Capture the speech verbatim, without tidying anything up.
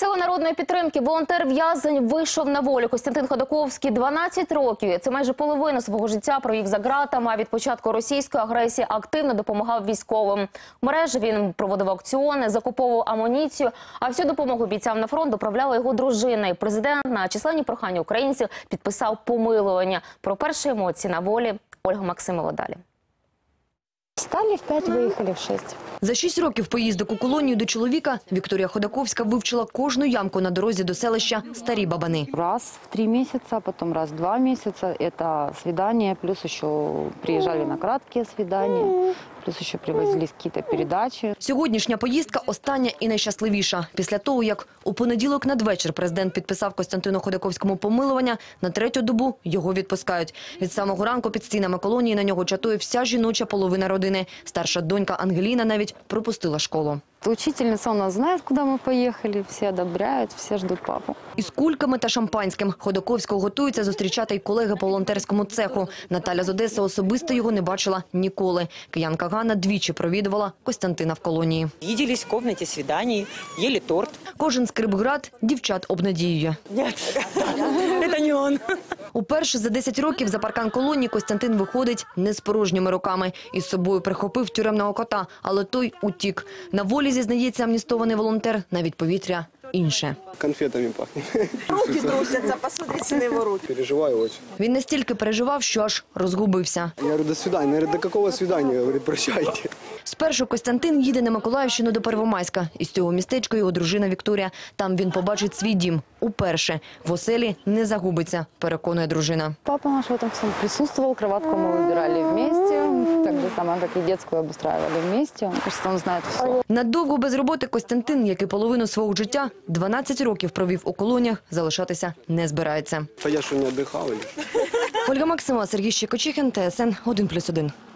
Сила народної підтримки, волонтер-в'язень вийшов на волю. Костянтин Ходаковський дванадцять років, це майже половину свого життя провів за ґратами, а від початку російської агресії активно допомагав військовим. В мережі він проводив аукціони, закуповував амуніцію, а всю допомогу бійцям на фронт доправляла його дружина. І президент на численні прохання українців підписав помилування. Про перші емоції на волі Ольга Максимова далі. Встали в п'ять, виїхали в шість. За шість років поїздок у колонію до чоловіка Вікторія Ходаковська вивчила кожну ямку на дорозі до селища Старі Бабани. Раз в три місяці, потім раз в два місяці. Це свідання, плюс ще приїжджали на короткі свідання, плюс ще привозились якісь передачі. Сьогоднішня поїздка остання і найщасливіша. Після того, як у понеділок надвечір президент підписав Костянтину Ходаковському помилування, на третю добу його відпускають. Від самого ранку під стінами колонії на нього чатує вся жіноча половина родини. Старша донька Ангеліна навіть пропустила школу. Учительниця у нас знає, куди ми поїхали, всі одобряють, всі чекають папу. Із кульками та шампанським Ходаковського готуються зустрічати й колеги по волонтерському цеху. Наталя з Одеси особисто його не бачила ніколи. Киянка Ганна двічі провідувала Костянтина в колонії. Їділись в кімнаті свідань, їли торт. Кожен скрипград дівчат обнадіює. Ні, це не він. Уперше за десять років за паркан колонії Костянтин виходить не з порожніми руками. Із собою прихопив тюремного кота, але той утік. На волі, зізнається амністований волонтер, навіть повітря інше. Конфетами пахне. Руки трусяться, посмотрите на його руки. Переживаю очень. Він настільки переживав, що аж розгубився. Я говорю, до свидания. Я говорю, до какого свидания? Говорит, прощайте. Спершу Костянтин їде на Миколаївщину до Первомайська. Із цього містечка його дружина Вікторія. Там він побачить свій дім. Уперше. В оселі не загубиться, переконує дружина. Папа наш в этом всем присутствовал, кроватку мы выбирали вместе, так же само, как и детскую обустраивали вместе. Мне кажется, он знает все. Надовго без роботи Костянтин, як і половину свого життя, дванадцять років провів у колоніях, залишатися не збирається. А я что, не отдыхал или? Ольга Максимова, Сергій Щекочихин, Т С Н один плюс один.